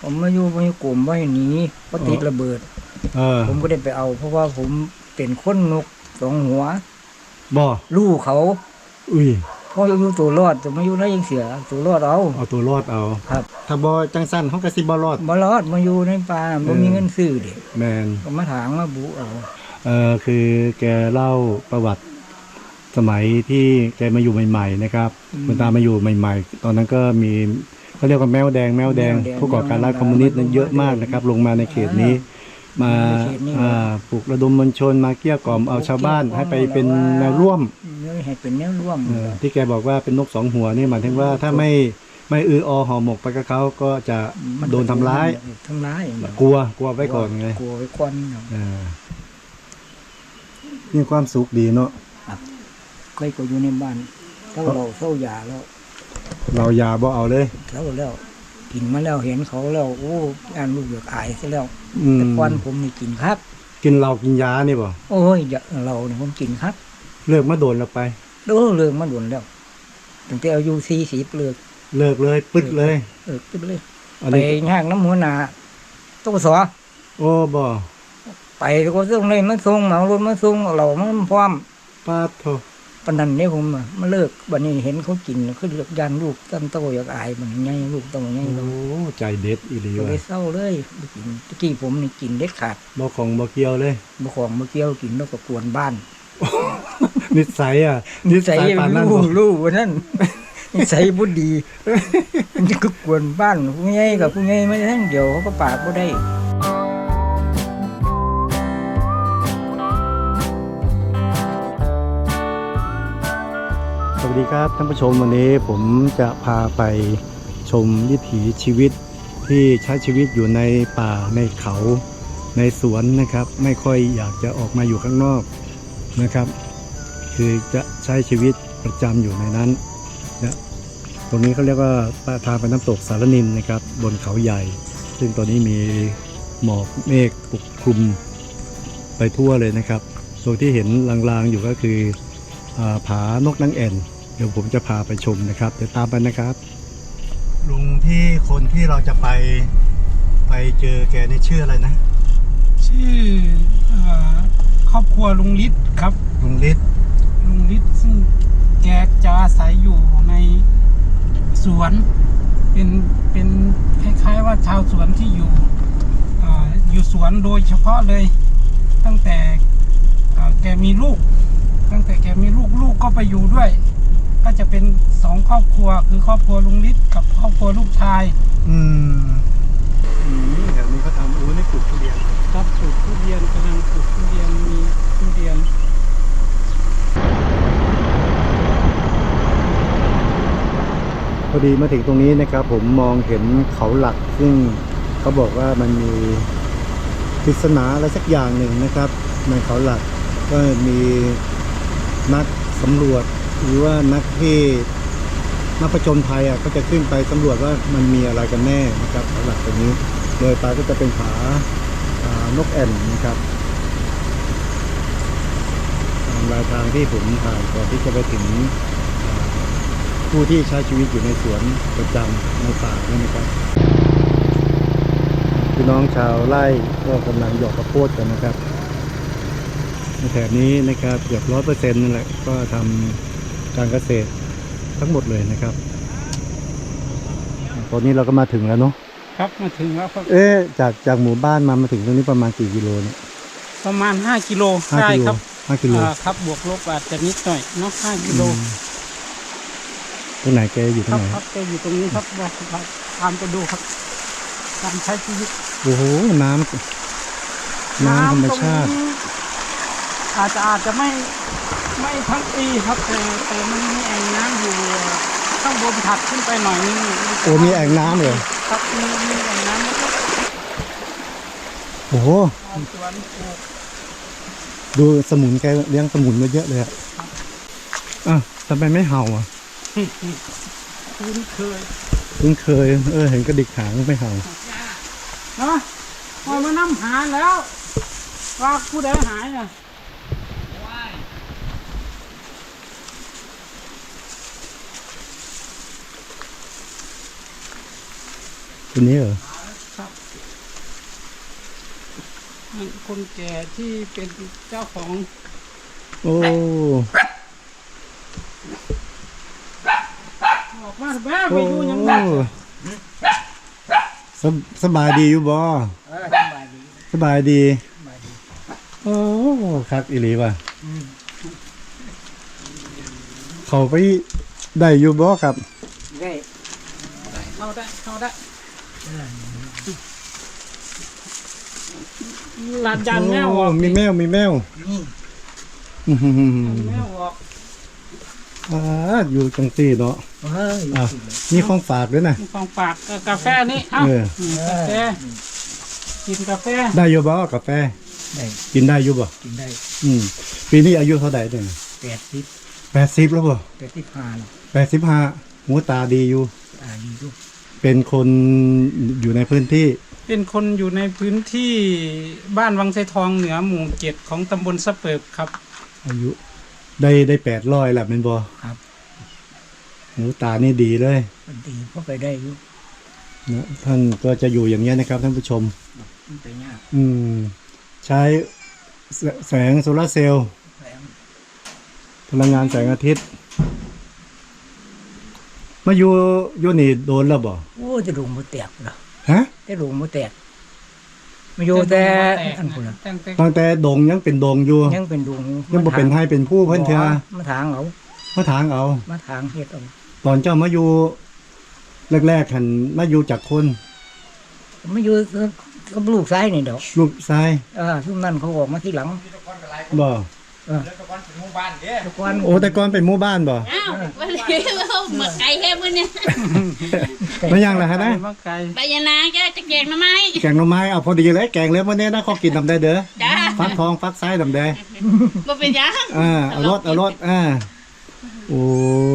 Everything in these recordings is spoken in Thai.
ผมมาอยู่กลุ่มว่าหนีเพราะติดระเบิดผมก็ได้ไปเอาเพราะว่าผมเป็นคนนกสองหัวบ่ลูกเขาอุ้ยพ่ออยู่ตัวรอดแต่มาอยู่ได้ยังเสียตัวรอดเอาตัวรอดเอาครับถ้าบ่จังสั้นเขาก็สิบ่รอดมาอยู่ในป่าบ่มีเงินซื้อเด็กแมนก็มาถางมาบุเอาคือแกเล่าประวัติสมัยที่แกมาอยู่ใหม่ๆนะครับคุณตามาอยู่ใหม่ๆตอนนั้นก็มีเขาเรียกว่าแมวแดงผู้ก่อการร้ายคอมมิวนิสต์นั้นเยอะมากนะครับลงมาในเขตนี้มาปลุกระดมมวลชนมาเกลี้ยกล่อมเอาชาวบ้านให้ไปเป็นแนวร่วมให้เป็นแนวร่วมที่แกบอกว่าเป็นนกสองหัวนี่หมายถึงว่าถ้าไม่ห่อหมกไปกับเขาก็จะโดนทำร้ายกลัวไว้ก่อนไงกลัวไว้ก่อนมีความสุขดีเนาะเคยก็อยู่ในบ้านเท่ายาแล้วเรายาบ่เอาเลยแล้วกินมาแล้วเห็นเขาแล้วโอ้อ่านลูกอยากอายซะแล้วแต่ก่อนผมนี่กินครับกินเหล้ากินยานี่บ่โอ้ยเราเนี่ยผมกินครับเลิกมาโดนแล้วไปเลิกมาโดนแล้วตั้งแต่อายุ40เลิกเลยปึ๊ดเลยปึ๊ดเลยไปย่างน้ำหัวหน้าตู้สอโอ้บ่ไปก็ส่งเลยมาส่งเหมารถมาส่งเรามันพร้อมปาดโถปนันเนี่ยผมมาเลิกวันนี้เห็นเขากินเขาเลือกยานลูกตั้งโตอยากอายมันไงลูกโตไงโอ้ใจเด็ดอีหลีว่ะเศร้าเลยกินตะกี้ผมนี่กินเด็ดขาดบ่ของบ่เกี่ยวเลยบ่ของบ่เกี่ยวกินแล้วก็กวนบ้านนิสัยนิสัยปานนั้นลูกวันนั้นนิสัยบ่ดีมันก็กวนบ้านผู้ใหญ่กับผู้ใหญ่ไม่ทั้งเดียวเขาก็ปากบ่ได้สวัสดีครับท่านผู้ชมวันนี้ผมจะพาไปชมวิถีชีวิตที่ใช้ชีวิตอยู่ในป่าในเขาในสวนนะครับไม่ค่อยอยากจะออกมาอยู่ข้างนอกนะครับคือจะใช้ชีวิตประจำอยู่ในนั้นนะตรงนี้เขาเรียกว่าทางไปน้ำตกสารนินนะครับบนเขาใหญ่ซึ่งตอนนี้มีหมอกเมฆปกคลุมไปทั่วเลยนะครับโดยที่เห็นลางๆอยู่ก็คือผานกนางแอ่นเดี๋ยวผมจะพาไปชมนะครับเดี๋ยวตามไปนะครับลุงที่คนที่เราจะไปเจอแกนี่ชื่ออะไรนะชื่อครอบครัวลุงฤทธิ์ครับลุงฤทธิ์ซึ่งแกจะอาศัยอยู่ในสวนเป็นคล้ายๆว่าชาวสวนที่อยู่สวนโดยเฉพาะเลยตั้งแต่แกมีลูกก็ไปอยู่ด้วยก็จะเป็น2ครอบครัวคือครอบครัวลุงฤทธิ์กับครอบครัวลูกชายแถวนี้เขาทำนี่ปลูกทุเรียนครับปลูกทุเรียนกำลังปลูกทุเรียนมีทุเรียนพอดีมาถึงตรงนี้นะครับผมมองเห็นเขาหลักซึ่งเขาบอกว่ามันมีปริศนาอะไรสักอย่างหนึ่งนะครับในเขาหลักก็มีนักสำรวจหรือว่านักผจญภัยก็จะขึ้นไปสำรวจว่ามันมีอะไรกันแน่นะครับเขาหลักตรงนี้โดยปลายก็จะเป็นผานกแอ่นนะครับรายทางที่ผมผ่านก่อนที่จะไปถึงผู้ที่ใช้ชีวิตอยู่ในสวนประจำในป่านี่นะครับพี่น้องชาวไร่ก็กำลังหยอกข้าวโพดกันนะครับในแถบนี้นะครับเกือบ100%นั่นแหละก็ทำการเกษตรทั้งหมดเลยนะครับตอนนี้เราก็มาถึงแล้วเนาะครับมาถึงแล้วครับจากหมู่บ้านมาถึงตรงนี้ประมาณกี่กิโลเนี่ยประมาณ5กิโลใช่ครับ 5กิโลครับบวกลบอาจจะนิดหน่อยเนาะ5กิโลตรงไหนแกอยู่ตรงไหนครับแกอยู่ตรงนี้ครับตามไปดูครับการใช้ชีวิตโอ้โหน้ำธรรมชาติอาจจะไม่ทั้งปีครับแต่มันมีแอ่งน้ำอยู่ข้างบนถัดขึ้นไปหน่อยนึงโอ้มีแอ่งน้ำเหรอครับมีแอ่งน้ำนะครับโอ้โหดูสมุนแกเลี้ยงสมุนมาเยอะเลยทำไมไม่เห่าคุ้นเคยเห็นกระดิกหางไม่เห่าเนาะพอมานั่งหาแล้วว่าผู้ใดหายตัวนี้เหรอใช่คนแก่ที่เป็นเจ้าของโอ้ออกมาแม่ไปอยู่ยังไงสบายดีอยู่บ่สบายดีสบายดีสบายดีโอ้คักอีหลีว่ะอืมเขาไปได้อยู่บ่ครับได้เข้าได้ลานจานแมวออกมีแมวนี่อื้อหือแมวออกอยู่จังซี่เนาะเฮ้ยอ่ะมีของฝากด้วยนะมีของฝากกาแฟนี่เอ้าเออกาแฟกินกาแฟได้อยู่บ่กาแฟได้กินได้อยู่บ่กินได้ปีนี้อายุเท่าใดเนี่ย 80 80แล้วบ่ 85แล้ว 85หูตาดีอยู่ดีดูเป็นคนอยู่ในพื้นที่เป็นคนอยู่ในพื้นที่บ้านวังไซทองเหนือหมู่7ของตำบลสะเปิบครับอายุได้800แล้วแม่นบ่ครับหูตานี่ดีเลยมันดีเพราะไปได้อยู่นะท่านก็จะอยู่อย่างนี้ยนะครับท่านผู้ชมมันไปยากใช้แสงโซลาร์เซลล์แรงพลังงานแสงอาทิตย์ มาอยู่นี่โดนแล้วบ่โอ้จะดุงบ่แตกเหรอฮะจะดุงบ่แตกมาอยู่แต่อันพุ่นน่ะตั้งแต่ดงยังเป็นดงอยู่ยังเป็นดุงยังบ่เป็นให้เป็นผู้เพิ่นเถื่อมาทางเอามาถางเอามาทางเฮ็ดเอาตอนเจ้ามาอยู่แรกๆหันมาอยู่จากคนมาอยู่กับลูกชายนี่ดอกลูกชายช่วงนั้นเขาออกมาที่หลังบ่ทุกวันโอ้แต่ก่อนเป็นหมู่บ้านบ่อ้าววันนี้เราหมักไก่แค่มื้อเนี่ยไม่ยังล่ะฮะนะมาไกลไปยานางจะแกงหน่อไม้แกงหน่อไม้เอาพอดีเลยแกงเลยมื้อนี้นะขอกินนำได้เด้อจ้าฟักทองฟักไส้นำได้บ่เป็นหยังเอารถโอ้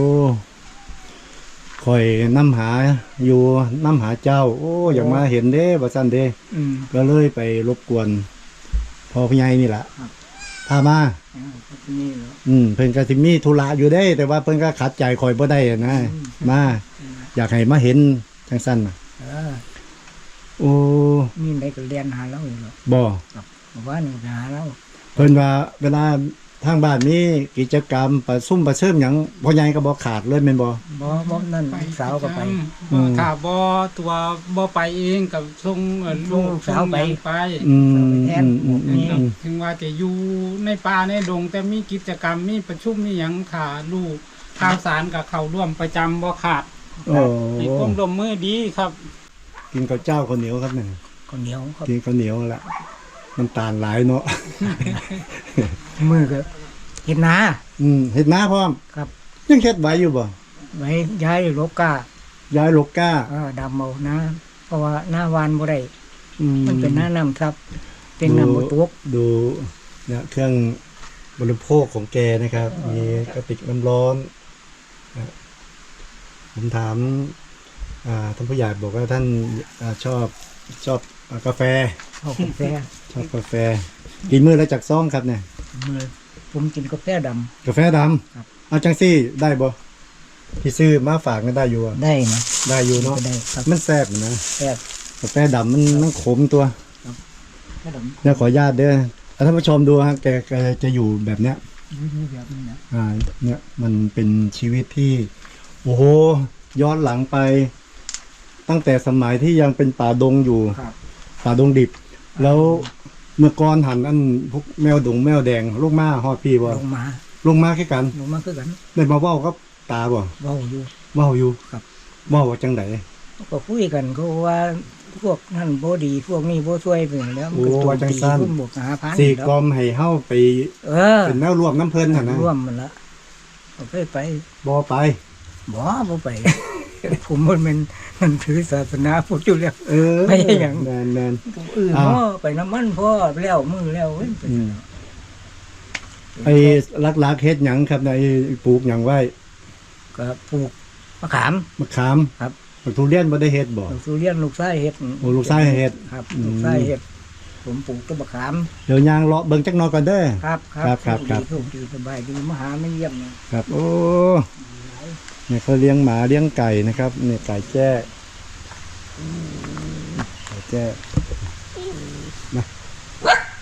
คอยน้ำหาอยู่น้ำหาเจ้า โอ้อยากมาเห็นเด้บ่ซั่นเด้อืมก็เลยไปรบกวนพ่อพี่ใหญ่นี่ล่ะครับพามานี่เหรอเพิ่นก็สิมีธุระอยู่เด้ แต่ว่าเพิ่นก็ขัดใจคอยบ่ได้อะนะมาอยากให้มาเห็นจังซั่นน่ะ โอ้นี่ได้ก็เรียนหาเราอยู่หรอกบ่บอกว่านี่หาเราเพิ่นว่าเวลาทางบ้านมีกิจกรรมประชุมประเชิญหยังพ่อใหญ่ก็บ่ขาดเลยแม่นบ่บ่นั่นลูกสาวก็ไปค่ะบ่ตัวบ่ไปเองกับส่งลูกสาวไปส่งหยังไปแทนถึงว่าจะอยู่ในป่าในดง แต่มีกิจกรรมมีประชุมมีหยังขาลูกข่าวสารกับเขาร่วมประจำบ่ขาดโอ้มีความร่วมมือดีครับกินข้าวเจ้าข้าวเหนียวครับเนี่ยคนเหนียวครับกินข้าวเหนียวแหละน้ำตาลหลายเนาะมือก็เห็นนาเฮ็ดนาพร้อมครับยังเฮ็ดไว้อยู่บ่ไว้ย้ายโลกาย้ายโลก้าดำเอานะ เพราะว่าหน้าวานบ่ได้อืมันเป็นหน้าน้ำครับ เป็นน้ำบ่ตกดูเนี่ยเครื่องบริโภคของแกนะครับ มีกระติกน้ำร้อนนะผมถามท่านผู้ใหญ่บอกว่าท่านชอบกาแฟเอากาแฟชอบกาแฟ กินมื้อละจากซองครับเนี่ยมือผมกินกาแฟดกาแฟดครับำเอาจังซี่ได้บ่พี่ซื้อมาฝากกันได้อยู่อะำได้นะได้อยู่เนาะก็ได้ครับมันแซ่บนะแซ่บกาแฟดำมันขมตัวกาแฟดำเนี่ยขออนุญาตเด้อท่านผู้ชมดูฮะแกจะอยู่แบบเนี้ยนี่แบบนี้นะเนี่ยมันเป็นชีวิตที่โอ้โหย้อนหลังไป ตั้งแต่สมัยที่ยังเป็นป่าดงอยู่ครับป่าดงดิบ แล้วเมื่อก่อนหันอันพวกแมวดงแมวแดงลูกม้าฮอดพี่บ่ลงมาลงมาแค่กันลงมาคือกันได้มาเว้ากับตาบ่เว้าอยู่เว้าอยู่ครับเว้าว่าจังไดก็คุยกันก็ว่าพวกนั่นบ่ดีพวกนี้บ่ช่วยเป็นแล้วมันก็โอ้โจมว่าจังตีซั่นขึ้นบวกหาพันสี่แล้วกลมให้เฮาไป เป็นแนวร่วมน้ำเพิ่นหั่นนะร่วมมันละเอาไปบ่ไปบ่ไป ผมมันถือศาสนาพุทธอยู่แล้ว ไปหยังแม่นผมอื่นอ้าวพ่อไปน้ำมันพ่อแล้วมือแล้วเว้ยไปไอ้ลักๆเฮ็ดหยังครับไอ้ปลูกหยังไว้ก็ปลูกมะขามมะขามครับบักทุเรียนบ่ได้เฮ็ดบ่ลูกสุเรียนลูกไส้เห็ดโอ้ลูกไส้เฮ็ดครับอืมลูกไส้เห็ดผมปลูกต้นมะขามเดี๋ยวยางเลาะเบิ่งจักหน่อยก่อนเด้อครับครับโชดีสบายดีมาหาไม่เยี่ยมนะครับโอ้เนี่ยเขาเลี้ยงหมาเลี้ยงไก่นะครับเนี่ยไก่แจ้ไก่แจ้มา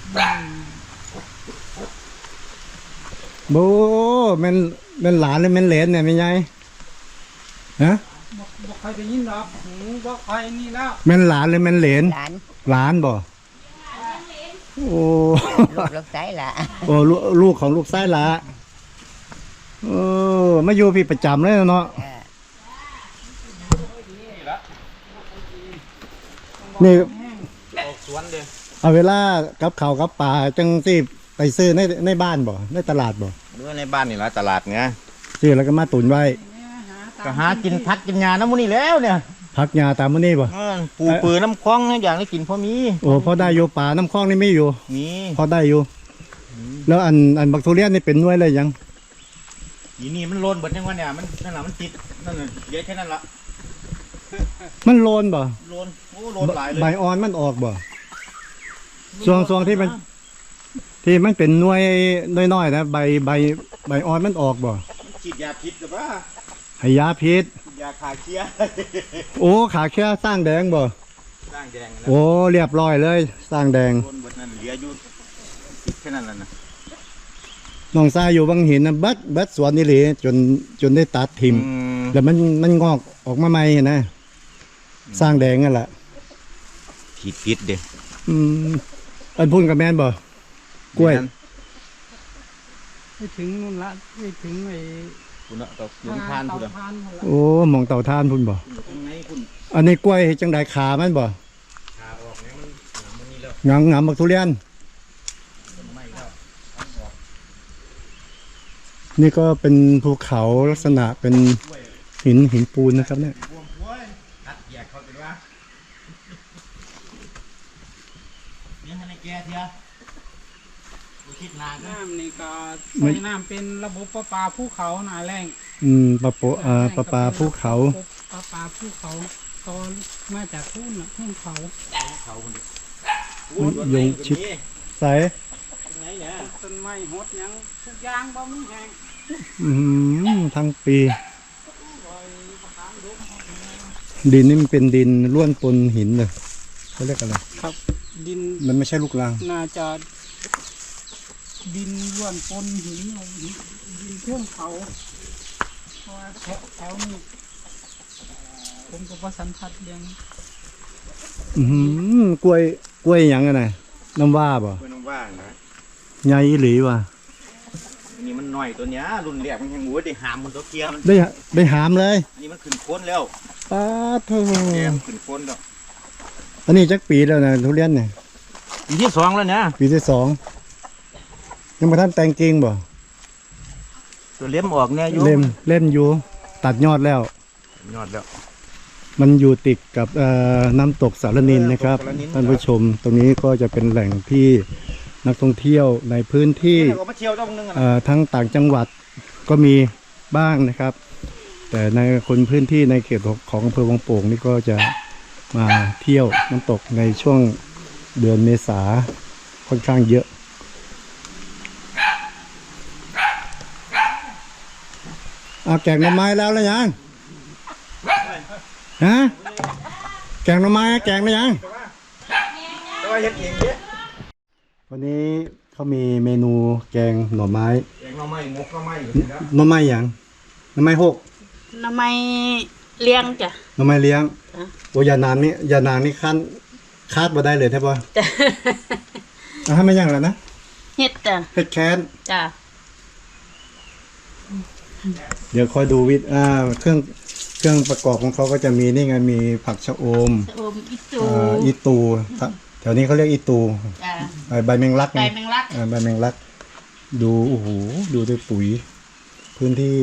โบแมันหลานหรือแมันเหลนเนี่ยไม่ไงฮะบอกใครได้ยินหรอกหูบอกใครนี่แล้วแมันหลานหรือแมันเหลนหลานหลานบ่โอ้ลูกไส้ละโอ้ลูกของลูกไส้ละมาอยู่พี่ประจำเลยเนาะนี่เอาเวลากับข้าวกับปลาจังสิไปซื้อในบ้านบ่ในตลาดบ่เมื่อในบ้านนี่ละตลาดไงซื้อแล้วก็มาตุนไว้ก็หากินพักกินยาน้ำมันนี่แล้วเนี่ยพักยาตามมื้อนี้บ่ปูปืนน้ำคล้องอย่างได้กินพอมีโอ้พอได้อยู่ปลาน้ำคลองนี่ไม่อยู่มีพอได้อยู่ แล้วอันบักทุเรียนนี่เป็นหน่วยเลยยังอีนี่มันโลนเบิดยังวะเนี่ยมันนั่นแหละมันติดนั่นน่ะเยอะแค่นั้นละมันโลนบ่โลนโอ้โลนหลายเลยใบอ่อนมันออกบ่ช่วงที่มันเป็นหน่วยน้อยๆนะใบอ่อนมันออกบ่มันฉีดยาพิษหรือเปล่าให้ยาพิษฉีดยาคาเคียโอ้ขาแค่สร้างแดงบ่สร้างแดงนะโอ้เรียบร้อยเลย สร้างแดงโลนเบิดนั่นเหลืออยู่ติดแค่นั้นแหละนะน้องทรายอยู่บางหินนะเบิดสวนนี่เลยจนได้ตัดทิมแล้วมันงอกออกมาใหม่นะสร้างแดงนั่นแหละฉีดพิษเด้อืมอันพุ่นกับแม่นบ่กล้วยไปถึงนู่นละไปถึงไอ้คุณเนาะต่อหลุมทานคุณเตเนาะทานหมดละโอ้หมองเต่าทานพุ่นบ่ตรงไหนคุณอันนี้กล้วยจังไดขามันบ่ขาออกเนี่ยมันหนังมันนี่แล้วงามบักทุเรียนต้นไม้แล้วนี่ก็เป็นภูเขาลักษณะเป็นหินปูนนะครับเนี่ยบวมกล้วยตัดแยกเขาเป็นว่าเนี่ยให้ในแก่เถอะกูคิดนานนะน้ำนี่ก็ใส่น้ำเป็นระบบประปาภูเขาหนาแรงปลาภูเขาประปาภูเขาตอนมาจากทุ่นทุ่นเขาเขาคนเดียวยงชิดใสไหนเนี่ยต้นไม้หดหยังทุกอย่างบ่มีแห้งทั้งปี ดินนี่มันเป็นดินล้วนปนหินเลยเขาเรียกอะไรครับดินมันไม่ใช่ลูกรังน่าจะดินล้วนปนหินเอาดินเทื่องเขาเพราะว่าแถวนี้ผมก็บ่สัมผัสเรื่องกล้วยหยังไงน่ะน้ำว่าบ่กล้วยน้ำว่างนะใหญ่อีหลีว่ะอันนี้มันหน่อยตัวเนี้ยรุ่นแรกมันยังหมูได้หามมันตัวเกียร์มันได้หามเลยอันนี้มันขึ้นโค้นแล้วป้าโถแกมันขึ้นโค้นแล้วอันนี้จักปีแล้วนะทุเรียนเนี่ยปีที่สองแล้วเนี่ยปีที่ 2ยังมาท่านแต่งกิ่งบ่ตัวเล็มออกเนี่ยอยู่เล่มอยู่ตัดยอดแล้วยอดแล้วมันอยู่ติดกับน้ำตกสารนินนะครับสารนินท่านผู้ชมตรงนี้ก็จะเป็นแหล่งที่นักท่องเที่ยวในพื้นที่ก็มาเที่ยวต้องนึงอ่ะทั้งต่างจังหวัดก็มีบ้างนะครับ แต่ในคนพื้นที่ในเขตของอำเภอวังโป่งนี่ก็จะมาเที่ยวน้ำตกในช่วงเดือนเมษาค่อนข้างเยอะเอาแกงหน่อไม้แล้วยังฮะแกงหน่อไม้แกงได้ยังตัวเห็ดเองเยอะวันนี้เขามีเมนูแกงหน่อไม้แกงหน่อไม้หมกหน่อไม้อยู่แล้วหน่อไม้หยังหน่อไม้หกทำไมเลี้ยงจ้ะหน่อไม้เลี้ยงอ่ะโอ้ยานางนี่คาดมาได้เลยใช่ปะจ้ะเอาให้ไม่ยังแล้วนะเฮ็ดจ้ะเผ็ดแค้นจ้ะเดี๋ยวคอยดูเครื่องประกอบของเขาก็จะมีนี่ไงมีผักชะอมโอมอิตูอีตูแถวนี้เขาเรียกอีตูจ้ะใบแมงลักไก่แมงลักใบแมงลัก ดูโอ้โหดูด้วยปุ๋ย พื้นที่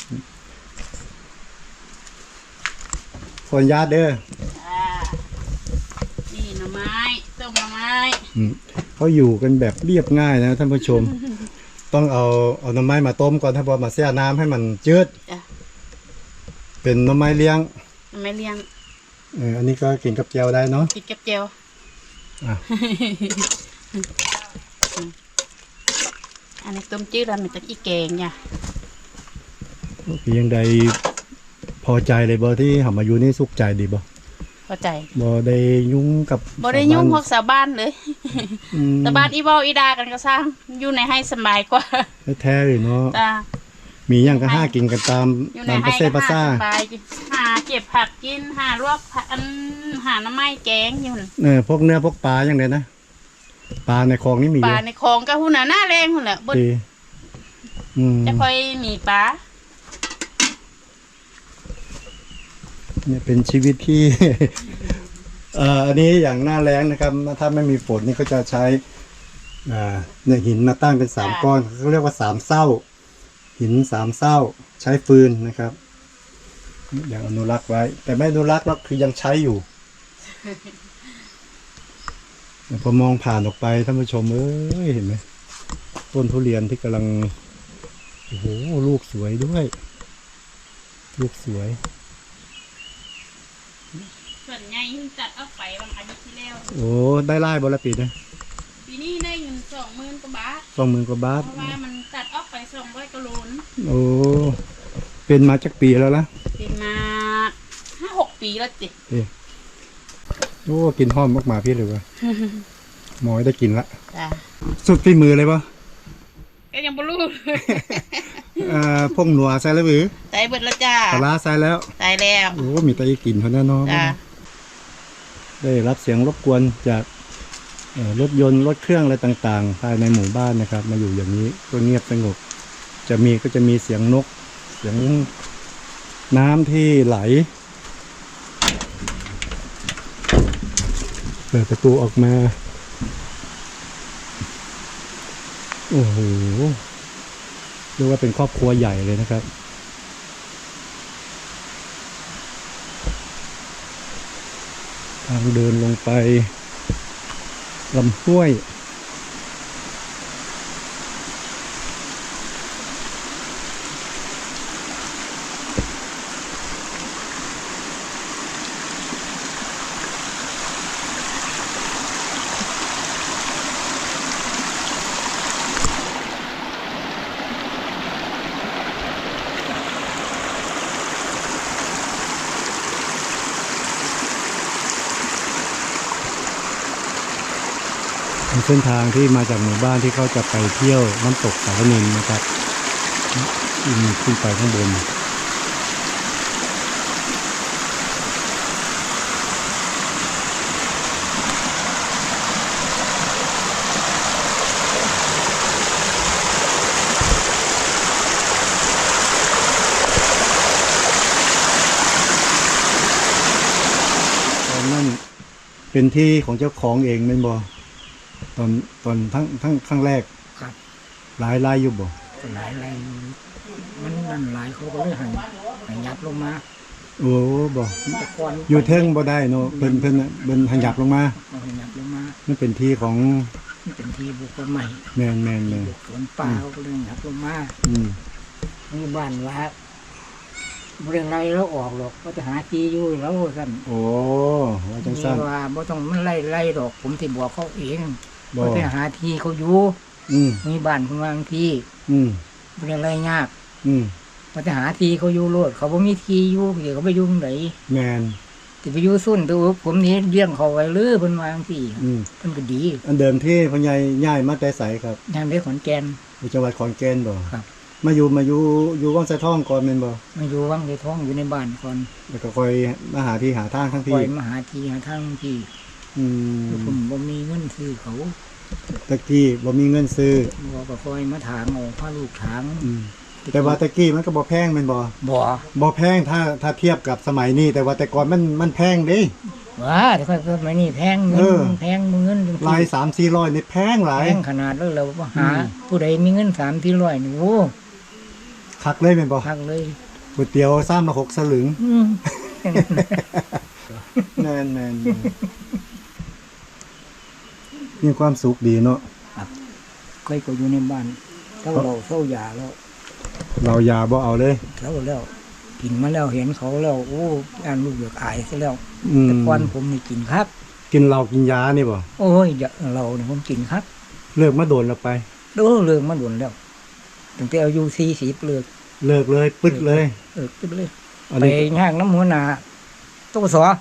คนญาติเด้อจ้ะนี่หน่อไม้ต้มหน่อไม้เขาอยู่กันแบบเรียบง่ายนะท่านผู้ชม ต้องเอาหน่อไม้มาต้มก่อนถ้าพอมาแช่น้ำให้มันจืดจ้ะเป็นหน่อไม้เลี้ยงหน่อไม้เลี้ยงอันนี้ก็กินกับแจวได้เนาะกินกับเจียวอ่ะอันนี้ต้มจืดแล้วมันจะอีแกงเนี่ยยังใดพอใจเลยบ่ที่เขามาอยู่นี่สุขใจดีบ่เข้าใจบ่ได้ยุ่งกับบ่ได้ยุ่งพวกชาวบ้านเลยอืมแต่บ้านอีเว้าอีดากันก็สร้างอยู่ในให้สบายกว่าแท้ๆเลยเนาะจ้ามีอย่างก็ห้ากินกันตามอยู่ในตามให้ประเซก็ภาษาสบายหาเก็บผักกินหาลวกผักหาน้ำไม้แกงอยู่นั่นพวกเนื้อพวกปลาอย่างเดียวนะปลาในคลองนี่มีปเยลาอะในคลองก็หุ่นน่ะหน้าแรงหุ่นแหละบ่ดีอืมจะค่อยมีปลาเนี่ยเป็นชีวิตที่ อันนี้อย่างหน้าแล้งนะครับถ้าไม่มีฝนนี่ก็จะใช้เนี่ยหินมาตั้งเป็น3 ก้อนเขาเรียกว่า3 เศร้า หิน3 เศร้าใช้ฟืนนะครับอย่างอนุรักษ์ไว้ แต่ไม่อนุรักษ์แล้วคือยังใช้อยู่ พอมองผ่านออกไปท่านผู้ชมเอ้ยเห็นไหมต้นทุเรียนที่กำลังโอ้โหลูกสวยด้วย ลูกสวยส่วนใหญ่จัดออกไปบางอาทิตย์ที่แล้วโอ้ได้ไล่บอละปีนะปีนี้ได้เงิน20,000 กว่าบาท 20,000 กว่าบาทเพราะว่ามันตัดออกไป200กิโลนโอ้เป็นมาจากปีแล้วล่ะเป็นมา 5-6 ปีแล้วจิโอ้กินหอมมากมาพี่เลยวะ หมอยได้กินละจ้าสุดฝีมือเลยปะก็ยังบ่รู้พงหนัวใส่แล้วหรือตายเบิดแล้วจ้าปลาร้าใส่แล้วตายแล้วโอ้มีแต่กินเท่านั้นเนาะจ้าได้รับเสียงรบกวนจากรถยนต์รถเครื่องอะไรต่างๆภายในหมู่บ้านนะครับ มาอยู่อย่างนี้ก็เงียบสงบก็จะมีเสียงนก เสียงน้ำที่ไหลเปิดประตูออกมาโอ้โหเรียกว่าเป็นครอบครัวใหญ่เลยนะครับทางเดินลงไปลำห้วย เส้นทางที่มาจากหมู่บ้านที่เขาจะไปเที่ยวน้ำตกสารนินนะครับขึ้นไปข้างบนตอนนั้นเป็นที่ของเจ้าของเองเป็นบ่ตอนทั้งครั้งแรกครับหลายอยู่บ่หลายมันนั่นหลายเขาก็เลยให้ยับลงมาโอ้บ่แต่ก่อนอยู่เทิงบ่ได้เนาะเพิ่นน่ะเพิ่นหันหยับลงมาเอาให้ยับลงมามันเป็นที่ของมันเป็นที่บุคคลใหม่แม่นบุคคลป่าเขาก็เลยยับลงมาอืมมีบ้านว่าเรื่องไรแล้วออกหรอกก็จะหาที่อยู่แล้วสั่นโอ้ว่าจังมีซั่นว่าบ่ต้องมันไล่ดอก ผมที่บอกเขาเองบ่ก็จะหาที่เขาอยู่อืมมีบ้านคนวางที่อืมเรื่องไรยากอืมก็จะหาที่เขาอยู่โลดเขาบ่มีที่อยู่เดี๋ยวเขาไปอยู่ตรงไหนแม่นจะไปอยู่ซุ่นตัวผมนี่เลี้ยงเขาไว้เลยเพิ่นวางที่อืมเพิ่นก็ดีอันเดิมที่พ่อใหญ่ย้ายมาแต่ไสครับยามได้ขอนแก่นอยู่จังหวัดขอนแก่นบ่ครับมาอยู่วังไสทองก่อนแม่นบ่มาอยู่วังในท้องอยู่ในบ้านก่อนแล้วก็ค่อยมาหาที่หาทางทั้งปที่ล่อยมาหาที่หาทางที่อืมผมบ่มีเงินซื้อเขาตะกี้บ่มีเงินซื้อบ่ก็คอยมาถางเอาพาลูกถางอืมแต่ว่าตะกี้มันก็บ่แพงแม่นบ่บ่บ่แพงถ้าเทียบกับสมัยนี้แต่ว่าแต่ก่อนมันแพงเด้ว่าแต่ค่อยสมัยนี้แพงเงิเออนแพงเงินจังลาย3-400นี่แพงหลายแพงขนาดแล้วเราบ่หา ผู้ใดมีเงิน3-400นี่โอ้คักเลยแม่นบ่พักเลยก๋วยเตี๋ยว3-6 สลึงอืมแม่นมีความสุขดีเนาะเคยก็อยู่ในบ้านเศร้ายาแล้วเรายาบ่เอาเลยแล้วกินมาแล้วเห็นเขาแล้วโอ้อ่านลูกอยากอายซะแล้วอืมแต่ก่อนผมนี่กินครับกินเหล้ากินยานี่บ่โอ้ยอย่าเราเนี่ยผมกินครับเลิกมาโดนแล้วไปเลิกมาด่วนแล้วตั้งแต่อายุ40เลิกเลิกเลยปึ๊ดเลยปึ๊บเลยอันไปนี้ย่างน้ำหัวหน้าตกสอ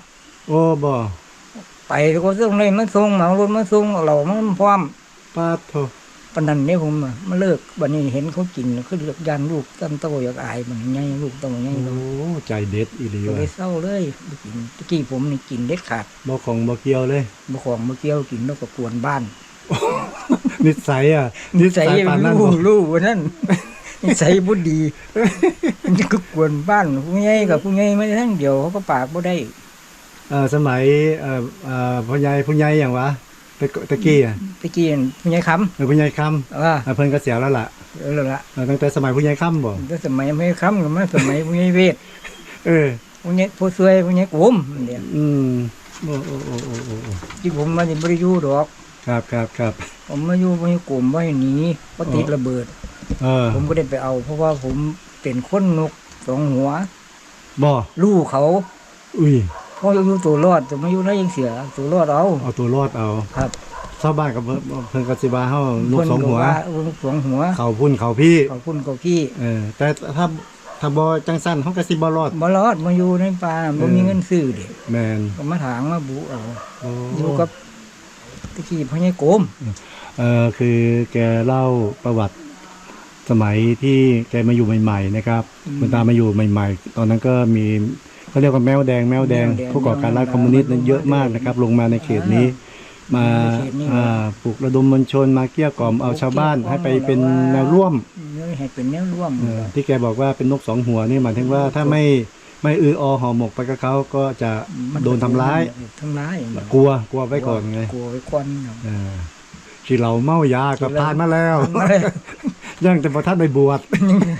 โอ้บ่ไปก็ส่งเลยมาส่งเหมารถมาส่งเอาเหล่ามันพร้อมปาดโถปานนั้นเนี่ยผมอะมาเลิกบัดนี้เห็นเขากินคือเลือกยานลูกตั้งโตอยากอายมันใหญ่ลูกโตใหญ่โอ้เราใจเด็ดอีหลีก็ว่ะเลยเศร้าเลยบ่กินตะกี้ผมนี่กินเด็ดขาดบ่ของบ่เกี่ยวเลยบ่ของบ่เกี่ยวกินแล้วก็กวนบ้านนิสัยอ่ะนิสัยปานนั้นบ่รู้ว่านั่น นิสัยบ่ดี มันจะก็กวนบ้านผู้ใหญ่กับผู้ใหญ่ไม่ได้ทั้งเดียวเขาก็ปากบ่ได้สมัยผู้ใหญ่อย่างวะตะกี้อ่ะตะกี้นั่นผู้ใหญ่คำผู้ใหญ่ค่ำเพิ่นก็เสียแล้วล่ะแล้วล่ะตั้งแต่สมัยผู้ใหญ่ค่ำบ่แต่สมัยไม่คำก็มาสมัยผู้ใหญ่เวทเออผู้ใหญ่ผู้ช่วยผู้ใหญ่กลมเดียวอืมโอ้โอ้โอ้โอ้โอ้โอ้ที่ผมมานี่บ่ได้อยู่ดอกครับผมมาอยู่ผู้ใหญ่กลมไว้หนีบ่ติดระเบิด ผมก็ได้ไปเอา เพราะว่าผมเป็นคนนกสองหัวบ่ลูกเขาอุ้ยพออยู่ตัวรอดแต่มาอยู่ได้ยังเสียตัวรอดเอาเอาตัวรอดเอาครับชาวบ้านกับเพิ่นก็สิว่าเฮาลูกสองหัวลูกสองหัวเขาพุ่นเขาพี่ขอบคุณกับพี่แต่ถ้าบ่จังสั้นเฮาก็สิบ่รอดบ่รอดมาอยู่ในป่าบ่มีเงินซื้อเด็กแม่นก็มาถางมาบุเอาโอ้อยู่กับตะกี้พ่อใหญ่โกมคือแกเล่าประวัติสมัยที่แกมาอยู่ใหม่ๆนะครับคุณตามาอยู่ใหม่ๆ ตอนนั้นก็มีเขาเรียกว่าแมวแดงผู้ก่อการร้ายคอมมิวนิสต์นั้นเยอะมากนะครับ ลงมาในเขตนี้มาปลุกระดมมวลชนมาเกลี้ยกล่อมเอาชาวบ้านให้ไปเป็นแนวร่วมให้เป็นแนวร่วมที่แกบอกว่าเป็นนกสองหัวนี่หมายถึงว่าถ้าไม่ห่อหมกไปกับเขาก็จะโดนทำร้าย กลัวไว้ก่อนไงกลัวไว้ก่อนที่เราเมายาก็ผ่านมาแล้ว ยังแต่พอท่านไปบวช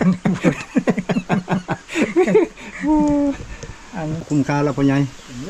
คุ้มค่าแล้วพ่อใหญ่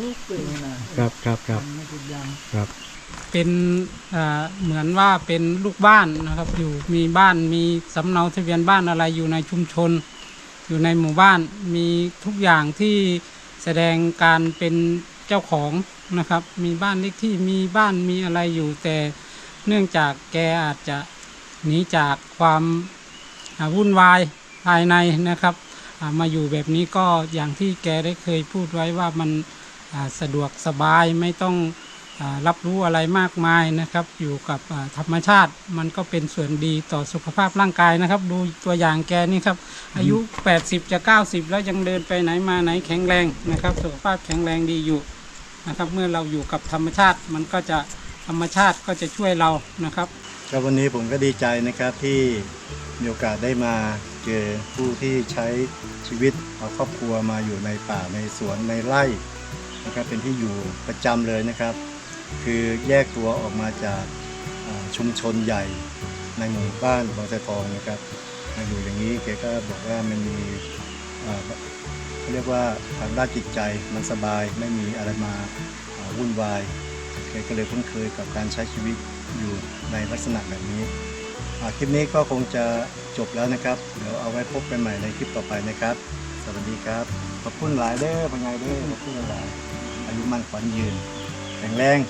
ครับเป็นเหมือนว่าเป็นลูกบ้านนะครับอยู่มีบ้านมีสำเนาทะเบียนบ้านอะไรอยู่ในชุมชน อยู่ในหมู่บ้านมีทุกอย่างที่แสดงการเป็นเจ้าของนะครับมีบ้านเลขที่มีบ้านมีอะไรอยู่แต่เนื่องจากแกอาจจะหนีจากความวุ่นวายภายในนะครับมาอยู่แบบนี้ก็อย่างที่แกได้เคยพูดไว้ว่ามันสะดวกสบายไม่ต้องรับรู้อะไรมากมายนะครับอยู่กับธรรมชาติมันก็เป็นส่วนดีต่อสุขภาพร่างกายนะครับดูตัวอย่างแกนี่ครับอายุ80จะ90แล้วยังเดินไปไหนมาไหนแข็งแรงนะครับสุขภาพแข็งแรงดีอยู่นะครับเมื่อเราอยู่กับธรรมชาติมันก็จะธรรมชาติก็จะช่วยเรานะครับครับวันนี้ผมก็ดีใจนะครับที่มีโอกาสได้มาเจอผู้ที่ใช้ชีวิตเอาครอบครัวมาอยู่ในป่าในสวนในไร่นะครับเป็นที่อยู่ประจำเลยนะครับคือแยกตัวออกมาจากชุมชนใหญ่ในหมู่บ้านบางไทรทองนะครับมาอยู่อย่างนี้แกก็บอกว่ามันมีเขาเรียกว่าทางด้านจิตใจมันสบายไม่มีอะไรมาวุ่นวายแกก็เลยคุ้นเคยกับการใช้ชีวิตอยู่ในลักษณะแบบนี้คลิปนี้ก็คงจะจบแล้วนะครับเดี๋ยวเอาไว้พบกันใหม่ในคลิปต่อไปนะครับสวัสดีครับขอบคุณหลายเด้อพ่อใหญ่เด้อขอบคุณหลายอายุมั่นขวัญยืนแข็งแรง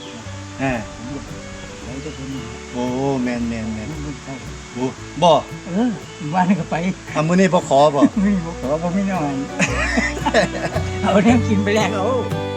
โอ้แมนโอ้บ่บ้านก็ไปมื้อนี้บ่ขอบ่ไม่บอกว่าไม่นอนเอาเนี่ยกินไปแล้ว